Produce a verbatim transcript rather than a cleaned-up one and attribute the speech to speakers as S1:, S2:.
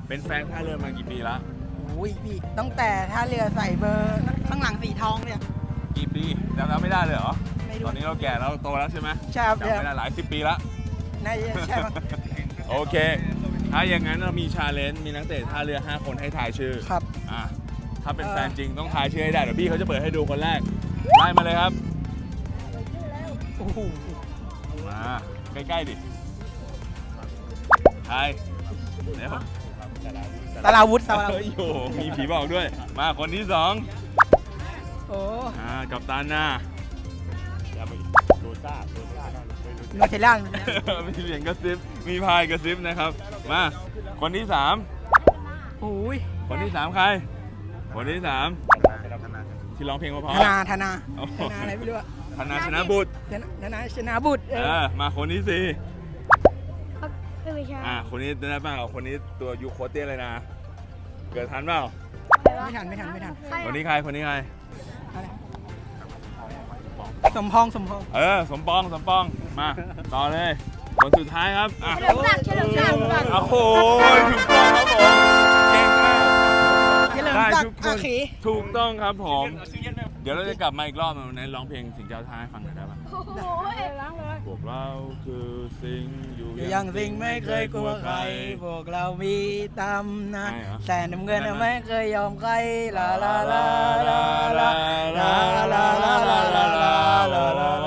S1: เป็นแฟนท่าเรือมากี่ปีละ
S2: โอ้ยพี่ตั้งแต่ท่าเรือใส่เบอร์ข้างหลังสีทองเนี่ย
S1: กี่ปีจำไม่ได้เลยเหรอ
S2: ไม่รู้
S1: ตอนนี้เราแก่แล้วโตแล้วใช่ไหม
S2: ใช่ครับ
S1: จำไม่ได้หลายสิบปีละ
S2: น่าจะใช่ปะ
S1: โอเค ถ้าอย่างนั้นเรามีชาเลนจ์มีนักเตะท่าเรือห้าคนให้ทายชื่อ
S2: ครับ
S1: อ่ะถ้าเป็น
S2: เออ
S1: แฟนจริงต้องทายชื่อให้ได้เดี๋ยวพี่เขาจะเปิดให้ดูคนแรกไล่มาเลยครับ
S2: โอ้โห
S1: มาใกล้ๆดิทายเร็ว
S2: สาราวุธสาราวุ
S1: เฮ้
S2: ธ
S1: ยโอ้โหมีผีบอกด้วย มาคนที่สอง
S2: โอ้
S1: อ่ากับตาหน้า
S3: โดซ่าโดซ่า
S2: โนเทลล่า
S1: มีเสียงกระซิบมีพายกระซิบนะครับมาคนที่สาม
S2: โอ้ย
S1: คนที่สามใคร คนที่สามที่ร้องเพลงเพ
S2: ธ
S1: ราะ
S2: นาธนา
S1: โอ้โห
S2: ธนาอะไรไม่รู้อะ
S1: ๆธนาชนะบุตร
S2: ธนาธนาชนะบุตรเอ
S1: เอ
S2: อ
S1: อมาคนที่สี่
S4: ไม่ใช่
S1: อ่าคนนี้ได้เปล่าคนนี้ตัวยูโคเต้เลยนะ เกิดทันเปล่า
S2: ไม่ทันไม่ทันไม่ทัน
S1: คนนี้ใครคนนี้ใคร
S2: อะไรสมพองสมพอง
S1: เออสมปองสมปองมาต่อเลยคนสุดท้ายครับอ่ะ
S4: เฉลิมศักดิ์เฉลิมศักดิ์
S1: โอ้โหถูกต้องครับผมเก่งมาก
S2: เฉลิม
S1: ได้
S2: ศัก
S1: ทุก
S2: ดิ์
S1: ค
S2: อาน ขี
S1: ถูกต้องครับผม เดี๋ยวเราจะกลับมาอีกรอบในร้องเพลงสิงเจ้าท้ายฟังหน่อยได้ปะ
S4: โอ้โห
S1: พวกเราคือสิงอยู่
S2: อยู่ยังสิ่งไม่เคยกลัวใคร พวกเรามีตำนาน
S1: ใช่เหรอ
S2: แต่น้ำเงินน่ะไม่เคยยอมใครลาลาลาลาลาลาลาลาลาลาลาลาลา